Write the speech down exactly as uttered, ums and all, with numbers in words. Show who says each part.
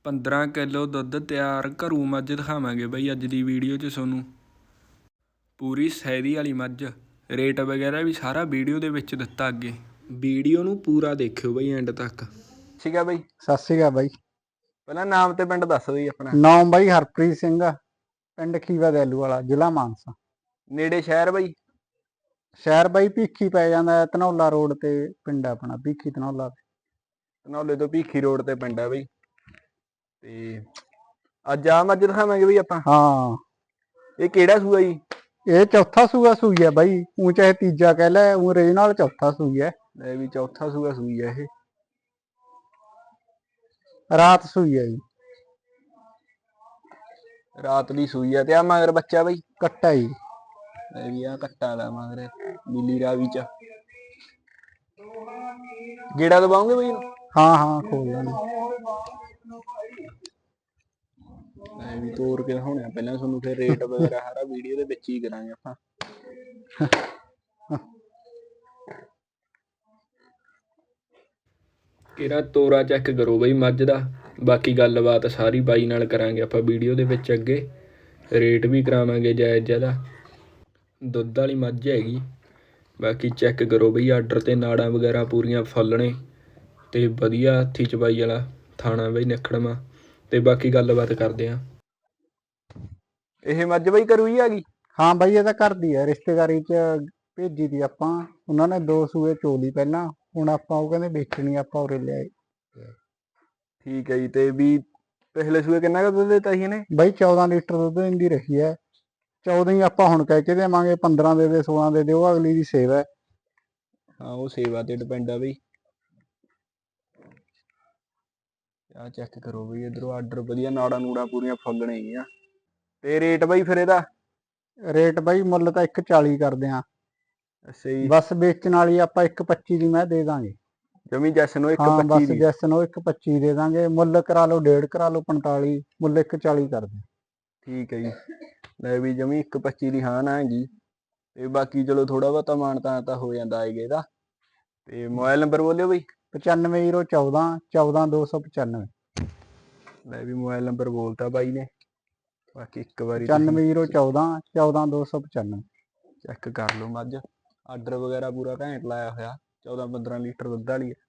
Speaker 1: ਪੰਦਰਾਂ ਕਿਲੋ ਦੁੱਧ ਤਿਆਰ ਘਰੂ ਮੱਝ ਦਿਖਾਵਾਂਗੇ ਬਈ ਅੱਜ ਦੀ ਵੀਡੀਓ 'ਚ ਤੁਹਾਨੂੰ। ਪੂਰੀ ਸੈਦੀ ਵਾਲੀ ਮੱਝ, ਰੇਟ ਵਗੈਰਾ ਵੀ ਸਾਰਾ ਵੀਡੀਓ ਦੇ ਵਿੱਚ ਦਿੱਤਾ ਅੱਗੇ। ਵੀਡੀਓ ਨੂੰ ਪੂਰਾ ਦੇਖਿਓ ਬਈ ਐਂਡ ਤੱਕ। ਠੀਕ ਆ ਬਈ।
Speaker 2: ਸਤਿ ਸ਼੍ਰੀ ਅਕਾਲ ਬਾਈ।
Speaker 1: ਪਹਿਲਾਂ ਨਾਮ ਤੇ ਪਿੰਡ ਦੱਸ ਬਈ ਆਪਣਾ।
Speaker 2: ਨਾਮ ਬਾਈ ਹਰਪ੍ਰੀਤ ਸਿੰਘ ਆ, ਪਿੰਡ ਖੀਵਾ ਦੈਲੂ ਵਾਲਾ, ਜ਼ਿਲ੍ਹਾ ਮਾਨਸਾ।
Speaker 1: ਨੇੜੇ ਸ਼ਹਿਰ ਬਈ?
Speaker 2: ਸ਼ਹਿਰ ਬਾਈ ਭੀਖੀ ਪੈ ਜਾਂਦਾ, ਧਨੌਲਾ ਰੋਡ ਤੇ ਪਿੰਡ ਆਪਣਾ ਭੀਖੀ ਧਨੌਲਾ।
Speaker 1: ਧਨੌਲੇ ਤੋਂ ਭੀਖੀ ਰੋਡ ਤੇ ਪਿੰਡ ਆ ਬਈ। ਤੇ ਅੱਜ ਆ ਮੱਝ ਦਿਖਾਵਾਂਗੇ ਬਈ ਆਪਾਂ।
Speaker 2: ਹਾਂ।
Speaker 1: ਇਹ ਕਿਹੜਾ ਸੂਆ ਜੀ?
Speaker 2: ਇਹ ਚੌਥਾ ਸੂਆ ਸੂਈ ਹੈ ਬਾਈ, ਊਂ ਚਾਹੇ ਤੀਜਾ ਕਹਿ ਲੈ, ਊਂ ਰੇ ਨਾਲ ਚੌਥਾ ਸੂਈ ਹੈ।
Speaker 1: ਲੈ ਵੀ ਚੌਥਾ ਸੂਆ ਸੂਈ ਹੈ ਇਹ।
Speaker 2: ਰਾਤ ਸੂਈ ਹੈ ਜੀ।
Speaker 1: ਰਾਤ ਦੀ ਸੂਈ ਹੈ। ਤੇ ਆ ਮਗਰ ਬੱਚਾ ਬਈ?
Speaker 2: ਕੱਟਾ ਜੀ।
Speaker 1: ਲੈ ਵੀ ਆ ਕੱਟਾ ਦਾ ਮਗਰ ਨੀਲੀ ਰਾਵੀ ਚ। ਗੇੜਾ ਦਬਾਉਂਗੇ ਬਈ ਇਹਨੂੰ?
Speaker 2: ਹਾਂ ਹਾਂ ਖੋਲ ਲੈਣਾ।
Speaker 1: ਲੈ ਵੀ ਤੋਰ ਕੇ ਦਿਖਾਉਣੇ ਪਹਿਲਾਂ ਤੁਹਾਨੂੰ, ਫਿਰ ਰੇਟ ਵਗੈਰਾ ਸਾਰਾ ਵੀਡੀਓ ਦੇ ਵਿੱਚ ਹੀ ਕਰਾਂਗੇ ਆਪਾਂ। ਕਿਹੜਾ ਤੋਰਾ ਚੈੱਕ ਕਰੋ ਬਈ ਮੱਝ ਦਾ, ਬਾਕੀ ਗੱਲਬਾਤ ਸਾਰੀ ਬਾਈ ਨਾਲ ਕਰਾਂਗੇ ਆਪਾਂ ਵੀਡੀਓ ਦੇ ਵਿੱਚ ਅੱਗੇ। ਰੇਟ ਵੀ ਕਰਾਵਾਂਗੇ ਜਾਇਜ਼ ਜ਼ਿਆਦਾ। ਦੁੱਧ ਵਾਲੀ ਮੱਝ ਹੈਗੀ, ਬਾਕੀ ਚੈੱਕ ਕਰੋ ਬਈ। ਆਰਡਰ ਤੇ ਨਾੜਾਂ ਵਗੈਰਾ ਪੂਰੀਆਂ ਫੁੱਲ ਨੇ ਤੇ ਵਧੀਆ ਹੱਥੀ ਚਬਾਈ ਵਾਲਾ ਥਾਣਾ ਬਈ, ਨਿਖੜਵਾਂ। ਤੇ ਬਾਕੀ ਗੱਲਬਾਤ ਕਰਦੇ ਆ। ਇਹ ਮੱਝ ਬਈ ਘਰੂ ਹੀ ਆ ਗਈ?
Speaker 2: ਹਾਂ ਬਾਈ ਇਹ ਤਾਂ ਘਰ ਦੀ ਹੈ, ਰਿਸ਼ਤੇਦਾਰੀ ਚ ਭੇਜੀ ਦੀ ਆਪਾਂ। ਉਹਨਾਂ ਨੇ ਦੋ ਸੂਏ ਚੋਲੀ ਪਹਿਲਾਂ, ਹੁਣ ਆਪਾਂ ਉਹ ਕਹਿੰਦੇ ਵੇਚਣੀ, ਆਪਾਂ ਉਰੇ ਲਿਆਏ।
Speaker 1: ਠੀਕ ਹੈ ਜੀ। ਤੇ ਵੀ ਪਿਛਲੇ ਸੂਏ ਕਿੰਨਾ ਕੁ ਦੁੱਧ ਦਿੱਤਾ ਸੀ ਇਹਨੇ?
Speaker 2: ਬਾਈ ਚੌਦਾਂ ਲੀਟਰ ਦੁੱਧ ਦਿੰਦੀ ਰਹੀ ਹੈ। ਚੌਦਾਂ ਹੀ ਆਪਾਂ ਹੁਣ ਕਹਿ ਕੇ ਦੇਵਾਂਗੇ, ਪੰਦਰਾਂ ਦੇ ਦੇ, ਸੋਲਾਂ ਦੇ ਦੇ, ਉਹ ਅਗਲੀ ਦੀ ਸੇਵਾ ਹੈ।
Speaker 1: ਹਾਂ ਉਹ ਸੇਵਾ ਤੇ ਡਿਪੈਂਡ ਆ ਬਈ। ਆ ਚੈੱਕ ਕਰੋ ਬਈ ਇਧਰੋਂ, ਆਰਡਰ ਵਧੀਆ, ਨਾੜਾ ਨੂੜਾ ਪੂਰੀਆਂ ਫੁੱਲ ਨੇ ਆ। ਤੇ ਰੇਟ ਬਈ ਫਿਰ ਇਹਦਾ?
Speaker 2: ਰੇਟ ਬਾਈ ਮੁੱਲ ਤਾਂ ਇੱਕ ਚਾਲੀ ਕਰਦੇ ਆ।
Speaker 1: ਅੱਛਾ ਜੀ।
Speaker 2: ਬਸ ਵੇਚਣ ਵਾਲੀ ਆਪਾਂ ਇੱਕ ਪੱਚੀ ਦੀ ਮੈਂ ਦੇ ਦਾਂਗੇ।
Speaker 1: ਜਮੀ ਜੈਸ ਨੂੰ ਇੱਕ
Speaker 2: ਹਾਂ
Speaker 1: ਪੱਚੀ
Speaker 2: ਬਸ
Speaker 1: ਦੀ?
Speaker 2: ਜੈਸ ਨੂੰ ਇੱਕ ਪੱਚੀ ਦੇ ਦਾਂਗੇ। ਮੁੱਲ ਕਰਾ ਲਓ ਡੇਢ, ਕਰਾ ਲਓ ਪੰਤਾਲੀ, ਮੁੱਲ ਇੱਕ ਚਾਲੀ ਕਰਦੇ।
Speaker 1: ਠੀਕ ਹੈ ਜੀ। ਲੈ ਵੀ ਜਮੀ ਇੱਕ ਪੱਚੀ ਦੀ ਹਾਂ ਨਾ ਹੈਗੀ। ਤੇ ਬਾਕੀ ਚਲੋ ਥੋੜਾ ਬਹੁਤਾ ਮਾਣ ਤਾਂ ਤਾਂ ਹੋ ਜਾਂਦਾ ਆਏਗਾ ਇਹਦਾ। ਤੇ ਮੋਬਾਈਲ ਨੰਬਰ ਬੋਲਿਓ ਬਈ।
Speaker 2: ਪਚਾਨਵੇਂ ਜ਼ੀਰੋ ਚੌਦਾਂ ਚੌਦਾਂ ਦੋ ਸੌ ਪਚਾਨਵੇਂ।
Speaker 1: ਲੈ ਵੀ ਮੋਬਾਈਲ ਨੰਬਰ ਬੋਲਤਾ ਬਾਈ ਨੇ, ਬਾਕੀ ਇੱਕ ਵਾਰੀ
Speaker 2: ਪਚਾਨਵੇਂ ਜ਼ੀਰੋ
Speaker 1: ਤੁਸੀਂ
Speaker 2: ਚੌਦਾਂ ਚੌਦਾਂ ਦੋ ਸੌ ਪਚਾਨਵੇਂ
Speaker 1: ਚੈੱਕ ਕਰ ਲਓ ਮੱਝ। ਆਰਡਰ ਵਗੈਰਾ ਪੂਰਾ ਘੈਂਟ ਲਾਇਆ ਹੋਇਆ, ਚੌਦਾਂ ਪੰਦਰਾਂ ਲੀਟਰ ਦੁੱਧ ਵਾਲੀ ਹੈ।